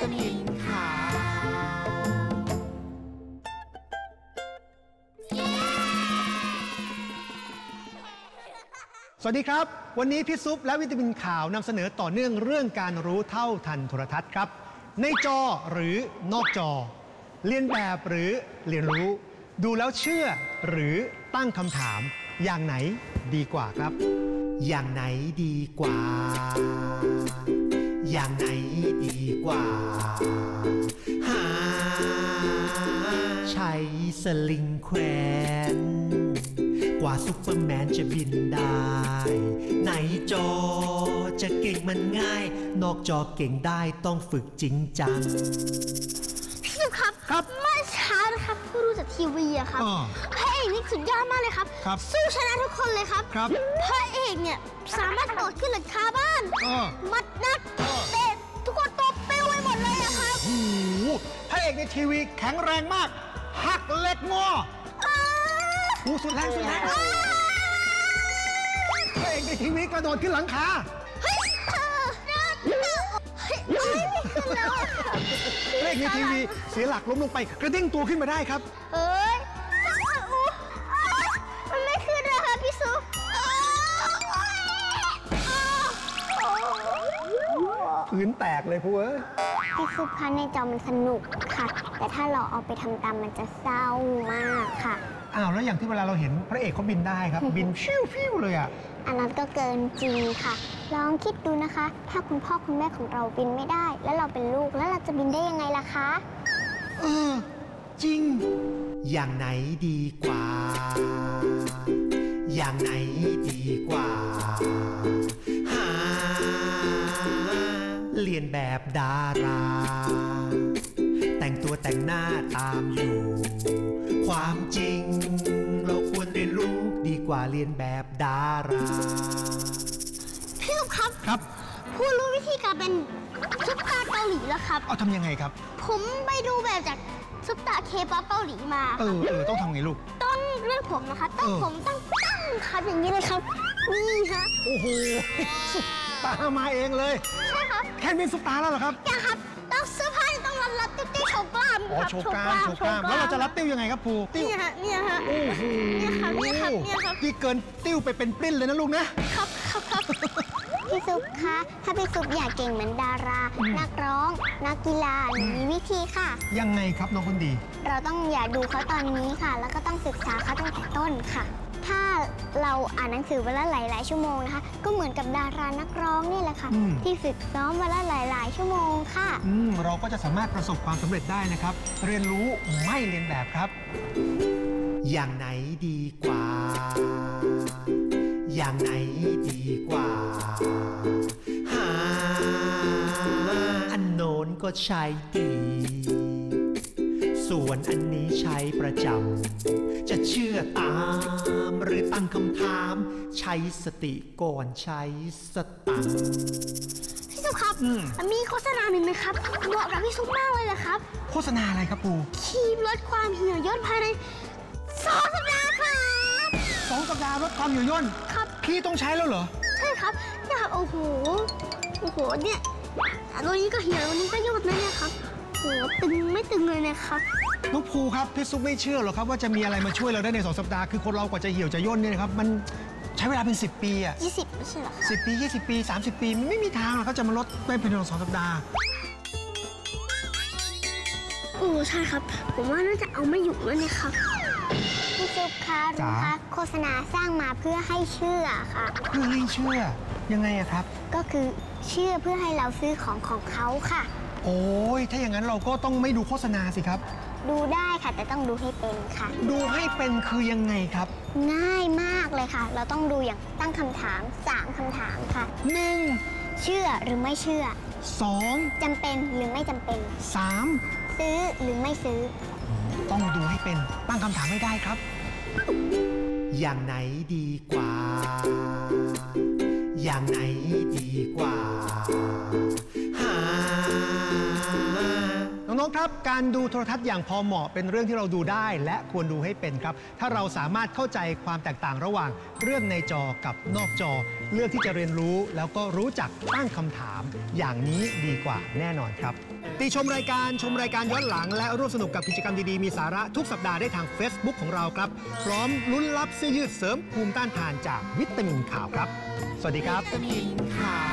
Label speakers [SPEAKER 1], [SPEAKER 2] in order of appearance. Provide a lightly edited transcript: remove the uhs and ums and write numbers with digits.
[SPEAKER 1] ตามินขาวสวัสดีครับวันนี้พี่ซุปและวิตามินข่าวนำเสนอต่อเนื่องเรื่องการรู้เท่าทันโทรทัศน์ครับในจอหรือนอกจอเรียนแบบหรือเรียนรู้ดูแล้วเชื่อหรือตั้งคำถามอย่างไหนดีกว่าครับอย่างไหนดีกว่าอย่างไหนดีกว่าใช้สลิงแขวนกว่าซุปเปอร์แมนจะบินได้ในจอจะเก่งมันง่ายนอกจอเก่งได้ต้องฝึกจริงจัง
[SPEAKER 2] พี่สุครับเมื่อเช้านะครับผู้รู้จากทีวีอะครับพระเอกนี่สุดยอดมากเลยครับสู้ชนะทุกคนเลยครับพระเอกเนี่ยสามารถโดดขึ้นหลังคาบ้านมัดนักเตะทุกคนตบปิ้วไปหมดเลยอะครับ
[SPEAKER 1] พระเอกในทีวีแข็งแรงมากหักเหล็กงอสุดแรงพระเอกในทีวีกระโดดขึ้นหลังคาพระเอกในทีวีเสียหลักล้มลงไปกระเด้งตัวขึ้นมาได้ครับ
[SPEAKER 2] มันไม่ขึ้นเลยค่ะพี่ซุป
[SPEAKER 1] พื้นแตกเลยพู
[SPEAKER 2] พี่ซุปคะในจอมันสนุกค่ะแต่ถ้าเราเอาไปทำตามมันจะเศร้ามากค่ะ
[SPEAKER 1] แล้วอย่างที่เวลาเราเห็นพระเอกเขาบินได้ครับบินฟิวเลย
[SPEAKER 2] อันนั้นก็เกินจริงค่ะลองคิดดูนะคะถ้าคุณพ่อคุณแม่ของเราบินไม่ได้แล้วเราเป็นลูกแล้วเราจะบินได้ยังไงล่ะคะ
[SPEAKER 1] จริงอย่างไหนดีกว่าอย่างไหนดีกว่าเรียนแบบดาราแต่งตัวแต่งหน้าตามอยู่ความจริงเราควรเรียนรู้ดีกว่าเรียนแบบดารา
[SPEAKER 2] พี่ลูกครับผู้รู้วิธีการเป็นซุปตาเกาหลีแล้วครับ
[SPEAKER 1] ทำยังไงครับ
[SPEAKER 2] ผมไปดูแบบจากซุปตาเคป๊อปเกาหลีมา
[SPEAKER 1] ต้องทำไงลูก
[SPEAKER 2] ต้องเรื่องผมนะคะผมตั้งครับอย่างนี้เลยครับนี่ฮะ
[SPEAKER 1] โอ้โหซุปตามาเองเลย
[SPEAKER 2] ใช่ครับ
[SPEAKER 1] แค่เป็นซุปตาแล้วเหรอครับ
[SPEAKER 2] ยังครับต้องเสื้อผ้าต้องรัดติ้วโชว์กล้ามครับ
[SPEAKER 1] โชว์กล้ามแล้วเราจะรัดติ้วยังไงครับภู
[SPEAKER 2] ติ้วเนี่ยฮะโอ้โหเนี่ยครับ
[SPEAKER 1] ที่เกินติ้วไปเป็นปลิ้นเลยนะลูก
[SPEAKER 2] นะครับพี่ซุปคะถ้าพี่ซุปอยากเก่งเหมือนดารานักร้องนักกีฬามีวิธีค่ะ
[SPEAKER 1] ยังไงครับน้องคนดี
[SPEAKER 2] เราต้องอย่าดูเขาตอนนี้ค่ะแล้วก็ต้องศึกษาเขาตั้งแต่ต้นค่ะถ้าเราอ่านหนังสือวันละหลายชั่วโมงนะคะก็เหมือนกับดารานักร้องนี่แหละค่ะที่ฝึกซ้อมวันละหลายชั่วโมงค่ะ
[SPEAKER 1] เราก็จะสามารถประสบความสำเร็จได้นะครับเรียนรู้ไม่เรียนแบบครับอย่างไหนดีกว่าอย่างไหนดีกว่าอันโน้นก็ใช้ดีส่วนอันนี้ใช้ประจำจะเชื่อตามหรือตั้งคำถามใช้สติก่อนใช้สตังค์
[SPEAKER 2] พี่ซุปครับมีโฆษณาหนึ่งนะครับเหมาะกับพี่ซุปมากเลยครับ
[SPEAKER 1] โฆษณาอะไรครับปู
[SPEAKER 2] ครีมลดความเหี่ยวย่นภายใน2 สัปดาห์ครับ
[SPEAKER 1] 2 สัปดาห์ลดความเหี่ยวย่น
[SPEAKER 2] ครับ
[SPEAKER 1] พี่ต้องใช้แล้วเหรอ
[SPEAKER 2] ใช่ครับเนี่ยครับโอ้โหเนี่ยตัวนี้ก็เหี่ยวตัวนี้ก็ย่นนะเนี่ยครับโหตึงไม่ตึงเลยนะครับ
[SPEAKER 1] น้องภูครับพี่ซุปไม่เชื่อหรอกครับว่าจะมีอะไรมาช่วยเราได้ใน2 สัปดาห์คือคนเรากว่าจะเหี่ยวจะย่นเนี่ยนะครับมันใช้เวลาเป็น10 ปี
[SPEAKER 2] 20ไม่ใช่หรอ
[SPEAKER 1] 10 ปี20 ปี30 ปีไม่มีทางหรอกเขาจะมาลดได้ภายใน2 สัปดาห์
[SPEAKER 2] ใช่ครับผมว่าน่าจะเอาไม่อยู่แล้วเนี่ยครับพี่ซุปคะรู้คะโฆษณาสร้างมาเพื่อให้เชื่อค่ะ
[SPEAKER 1] เพื่อให้เชื่อยังไงครับ
[SPEAKER 2] ก็คือเชื่อเพื่อให้เราซื้อของเขาค่ะ
[SPEAKER 1] โอ้ยถ้าอย่างนั้นเราก็ต้องไม่ดูโฆษณาสิครับ
[SPEAKER 2] ดูได้ค่ะแต่ต้องดูให้เป็นค่ะ
[SPEAKER 1] ดูให้เป็นคือยังไงครับ
[SPEAKER 2] ง่ายมากเลยค่ะเราต้องดูอย่างตั้งคำถาม3 คำถามค่ะ1เชื่อหรือไม่เชื่อ2จำเป็นหรือไม่จำเป็น3ซื้อหรือไม่ซื้อ
[SPEAKER 1] ต้องดูให้เป็นตั้งคำถามไม่ได้ครับอย่างไหนดีกว่าอย่างไหนดีกว่าน้องๆครับการดูโทรทัศน์อย่างพอเหมาะเป็นเรื่องที่เราดูได้และควรดูให้เป็นครับถ้าเราสามารถเข้าใจความแตกต่างระหว่างเรื่องในจอกับนอกจอเลือกที่จะเรียนรู้แล้วก็รู้จักตั้งคำถามอย่างนี้ดีกว่าแน่นอนครับติชมรายการย้อนหลังและร่วมสนุกกับกิจกรรมดีๆมีสาระทุกสัปดาห์ได้ทาง Facebook ของเราครับพร้อมลุ้นรับเสื้อยืดเสริมภูมิต้านทานจากวิตามินข่าวครับสวัสดีครับ
[SPEAKER 3] วิตามินข่าว